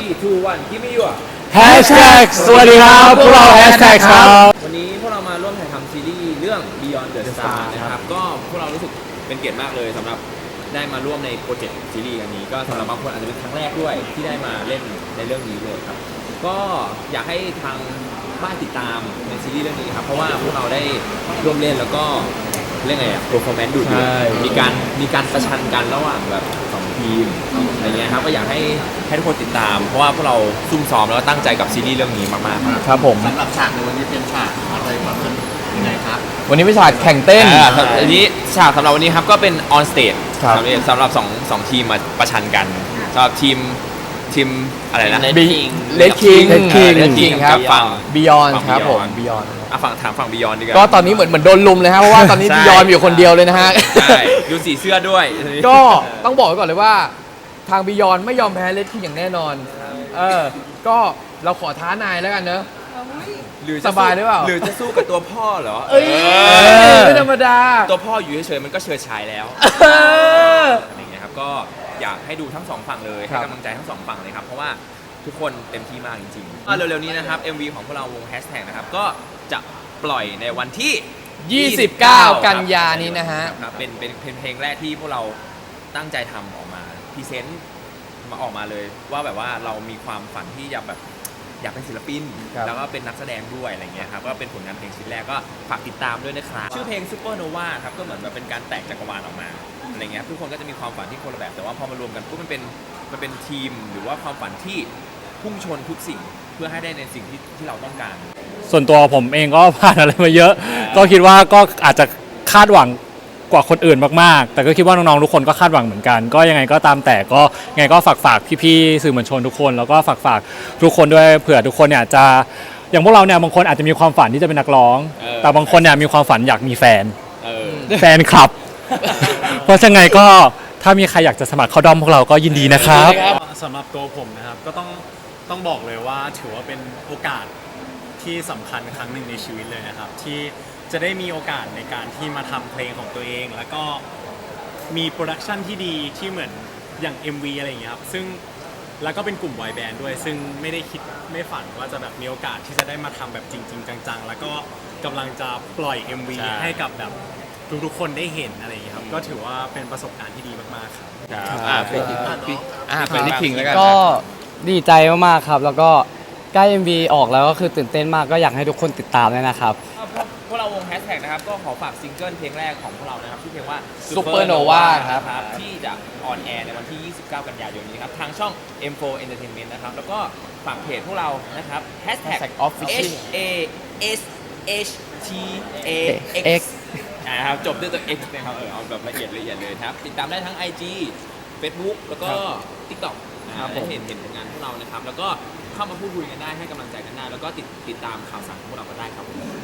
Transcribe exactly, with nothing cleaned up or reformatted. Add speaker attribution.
Speaker 1: three two one give me your
Speaker 2: แฮชแท็กสวัสดีครับพวกเราแฮชแท็กครับ
Speaker 1: วันนี้พวกเรามาร่วมถ่ายทำซีรีส์เรื่อง Beyond the Star นะครับก็พวกเรารู้สึกเป็นเกียรติมากเลยสำหรับได้มาร่วมในโปรเจกต์ซีรีส์อันนี้ก็สำหรับบางคนอาจจะเป็นครั้งแรกด้วยที่ได้มาเล่นในเรื่องนี้เลยครับก็อยากให้ทางบ้านติดตามในซีรีส์เรื่องนี้ครับเพราะว่าพวกเราได้ร่วมเล่นแล้วก็เรื่องไงอะ performance ดูดีมีการมีการประชันกันระหว่างแบบสองทีมอะไรเงี้ยครับก็อยากให้ให้ทุกคนติดตามเพราะว่าพวกเราซุ่มซ้อมแล้วก็ตั้งใจกับซีรีส์เรื่องนี้มากๆครับ
Speaker 2: ครับผม
Speaker 3: สำหรับฉากในวันนี้เป็นฉากอะไรแบบนั้นยังไงครับ
Speaker 2: วันนี้เป็นฉากแข่งเต้น
Speaker 1: อันนี้ฉากสำหรับวันนี้ครับก็เป็น on stage
Speaker 2: ครับ
Speaker 1: สำหรับสองสองทีมมาประชันกันสำหรับทีมทีมอะไรนะ
Speaker 2: เลดคิงเลดคิง
Speaker 1: เลดคิงครับฝั่ง
Speaker 2: Beyond ครับผม Beyond
Speaker 1: อ่ะฝั่งถามฝั่ง Beyond ดีกว่า
Speaker 2: ก็ตอนนี้เหมือนเหมือนโดนลุมเลยฮะเพราะว่าตอนนี้
Speaker 1: ใช่
Speaker 2: Beyond อยู่คนเดียวเลยนะฮะ
Speaker 1: ใช่ดูสีเสื้อด้วย
Speaker 2: ก็ต้องบอกไว้ก่อนเลยว่าทาง Beyond ไม่ยอมแพ้เลดคิงอย่างแน่นอนเออก็เราขอท้านายแล้วกันเนอะ
Speaker 1: หรือจะ
Speaker 2: สบายหรือเปล่า
Speaker 1: หรือจะสู้กับตัวพ่อเหรอ
Speaker 2: เอ้ยไม่ธรรมดา
Speaker 1: ตัวพ่ออยู่เฉยๆมันก็เฉิดฉายแล้ว
Speaker 2: เออ
Speaker 1: อะไรอย่างเงี้ยครับก็อยากให้ดูทั้งสองฝั่งเลยให้กำลังใจทั้งสองฝั่งเลยครับเพราะว่าทุกคนเต็มที่มากจริงๆก็เร็วๆนี้นะครับ เอ็ม วี ของพวกเราวงแฮชแท็กนะครับก็จะปล่อยในวันที่
Speaker 2: ยี่สิบเก้ากันยานี้นะฮะ
Speaker 1: ครับเป็นเป็นเพลงแรกที่พวกเราตั้งใจทำออกมาพรีเซนต์มาออกมาเลยว่าแบบว่าเรามีความฝันที่อยากแบบอยากเป็นศิลปินแล้วก็เป็นนักแสดงด้วยอะไรเงี้ยครับก็เป็นผลงานเพลงชิ้นแรกก็ฝากติดตามด้วยนะครับชื่อเพลง Supernova ครับก็เหมือนแบบเป็นการแตกจักรวาลออกมาอะไรเงี้ยทุกคนก็จะมีความฝันที่คนละแบบแต่ว่าพอมารวมกันปุ๊บมันเป็นมันเป็นทีมหรือว่าความฝันที่พุ่งชนทุกสิ่งเพื่อให้ได้ในสิ่งที่ที่เราต้องการ
Speaker 4: ส่วนตัวผมเองก็ผ่านอะไรมาเยอะก็คิดว่าก็อาจจะคาดหวังกว่าคนอื่นมากๆแต่ก็คิดว่าน้องๆทุกคนก็คาดหวังเหมือนกันก็ยังไงก็ตามแต่ก็ยังไงก็ฝากฝากพี่ๆสื่อมวลชนทุกคนแล้วก็ฝากฝากทุกคนด้วยเผื่อทุกคนเนี่ยจะอย่างพวกเราเนี่ยบางคนอาจจะมีความฝันที่จะเป็นนักร้องแต่บางคนเนี่ยมีความฝันอยากมีแฟนแฟนคลับเพราะฉะนั้นก็ถ้ามีใครอยากจะสมัครเข้าด้อมพวกเราก็ยินดีนะครับ
Speaker 5: สำหรับตัวผมนะครับก็ต้องต้องบอกเลยว่าถือว่าเป็นโอกาสที่สำคัญครั้งหนึ่งในชีวิตเลยนะครับที่จะได้มีโอกาสในการที่มาทำเพลงของตัวเองแล้วก็มีโปรดักชันที่ดีที่เหมือนอย่าง เอ็ม วี อะไรอย่างเงี้ยครับซึ่งแล้วก็เป็นกลุ่มบอยแบนด์ด้วยซึ่งไม่ได้คิดไม่ฝันว่าจะแบบมีโอกาสที่จะได้มาทำแบบจริงๆจังๆแล้วก็กำลังจะปล่อย เอ็ม วี ให้กับแบบทุกๆคนได้เห็นอะไรอย่างเงี้ยครับก็ถือว่าเป็นประสบการณ์ที่ดีมากๆครับ
Speaker 1: อ่าเป็นอ่าเป็นที่คิงแล้วกัน
Speaker 6: ก็ดีใจมากๆครับแล้วก็ใกล้ เอ็ม วี ออกแล้วก็คือตื่นเต้นมากก็อยากให้ทุกคนติดตามเลยนะครับ
Speaker 1: พวกเราวงแฮชแท็กนะครับก็ขอฝากซิงเกิลเพลงแรกของพวกเรานะครับชื่อเพลงว่า
Speaker 2: Supernova ครับ
Speaker 1: ที่จะออนแอร์ในวันที่ยี่สิบเก้ากันยายนนี้ครับทางช่อง เอ็ม โฟร์ Entertainment นะครับแล้วก็ฝากเพจพวกเรานะครับแฮชแท็ก
Speaker 2: Official
Speaker 1: H A S H T A X นะครับจบด้วยตัว X นะครับเออเอาแบบละเอียดละเอียดเลยครับติดตามได้ทั้ง ไอ จี Facebook แล้วก็ TikTok นะครับได้เห็นเห็นผลงานพวกเรานะครับแล้วก็เข้ามาพูดคุยกันได้ให้กำลังใจกันได้แล้วก็ติดติดตามข่าวสารของพวกเราก็ได้ครับ